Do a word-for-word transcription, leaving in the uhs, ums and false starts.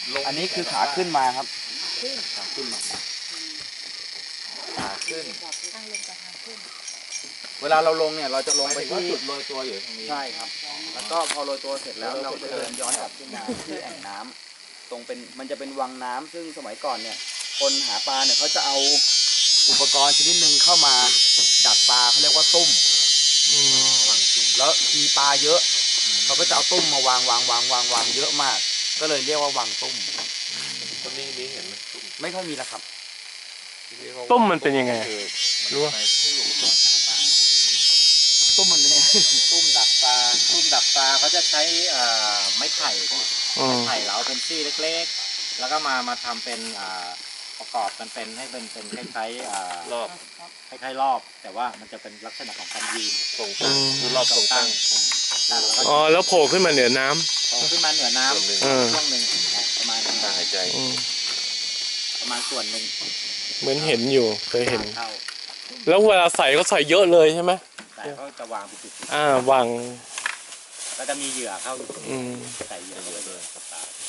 อันนี้คือขาขึ้นมาครับขาขึ้นมาขาขึ้นเวลาเราลงเนี่ยเราจะลงไปที่จุดโรยตัวอยู่ตรงนี้ใช่ครับแล้วก็พอโรยตัวเสร็จแล้วเราจะเดินย้อนกลับขึ้นมาที่แอ่งน้ำตรงเป็นมันจะเป็นวังน้ำซึ่งสมัยก่อนเนี่ยคนหาปลาเนี่ยเขาจะเอาอุปกรณ์ชนิดหนึ่งเข้ามาดักปลาเขาเรียกว่าตุ้มแล้วมีปลาเยอะเขาก็จะเอาตุ้มมาวางวางวางวางวางเยอะมากก็เลยเรียกว่าวางตุ้มต้นนี้มีเห็นไหมไม่ค่อยมีแล้วครับต้มมันเป็นยังไงรู้ว่าตุ้มมันเป็นตุ้มดักปลาตุ้มดักปลาเขาจะใช้ไม้ไผ่ไม้ไผ่เหลาเป็นซี่เล็กๆแล้วก็มามาทำเป็นประกอบกันเป็นให้เป็นเป็นคล้ายๆรอบคล้ายๆรอบแต่ว่ามันจะเป็นลักษณะของการยืนตรงตั้งคือรอบตรงตั้งอ๋อแล้วโผล่ขึ้นมาเหนือน้ำโผล่ขึ้นมาเหนือน้ำช่วงหนึ่งประมาณการหายใจประมาณส่วนหนึ่งเหมือนเห็นอยู่เคยเห็นแล้วเวลาใส่ก็ใส่เยอะเลยใช่ไหมใส่เขาจะวางเป็นจุดอ่าวางแล้วจะมีเหยื่อเข้าอืมใส่เหยื่อเยอะเลย